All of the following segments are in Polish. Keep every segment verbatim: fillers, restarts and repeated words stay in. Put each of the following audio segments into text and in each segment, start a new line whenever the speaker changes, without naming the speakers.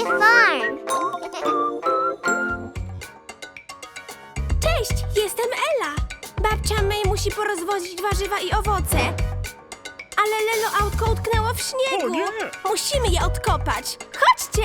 Funny Farm.
Cześć, jestem Ela. Babcia May musi porozwozić warzywa i owoce. Ale Lelo autko utknęło w śniegu.
O nie!
Musimy je odkopać. Chodźcie!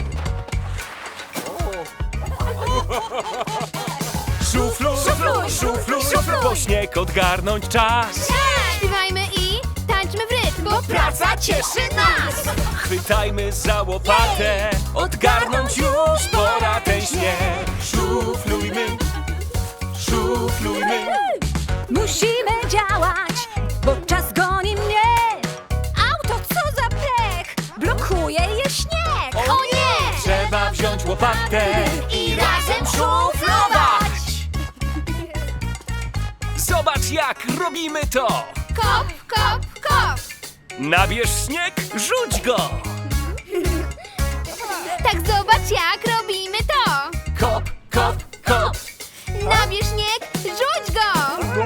Szufluj,
Szufluj,
szufluj,
szufluj.
bo śnieg odgarnąć czas.
Śpiewajmy i tańczmy w rytm, bo
Praca cieszy nas! Chwytajmy za łopatę, odgarnąć już pora ten śnieg. Szuflujmy, szuflujmy.
Musimy działać, bo czas goni mnie. Auto, co za pech! Blokuje je śnieg. O nie!
Trzeba wziąć łopatę
I razem szuflować.
Zobacz jak robimy to.
Kop, kop, kop.
Nabierz śnieg, rzuć go.
Tak zobacz jak robimy to.
Kop, kop, kop.
Nabierz śnieg, rzuć go.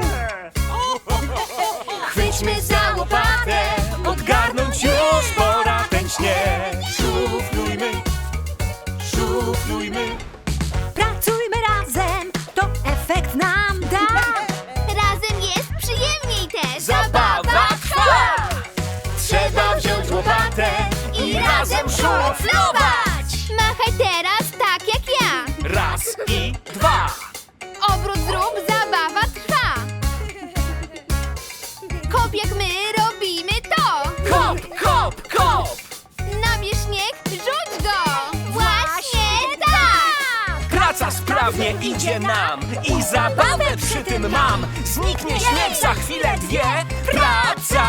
Chwyćmy za łopatę, odgarnąć już pora ten śnieg. Szuflujmy, szuflujmy.
Pracujmy razem, to efekt nam da. Razem jest przyjemniej też.
Zabawa trwa. Trzeba wziąć łopatę i razem szuflować.
Machaj teraz tak jak ja.
Raz i dwa.
Obrót zrób, zabawa trwa. Kop jak my robimy to.
Kop, kop, kop.
Nabierz śnieg, rzuć go. Właśnie tak.
Praca sprawnie idzie nam i zabawę przy tym mam. Zniknie śnieg za chwilę dwie. Praca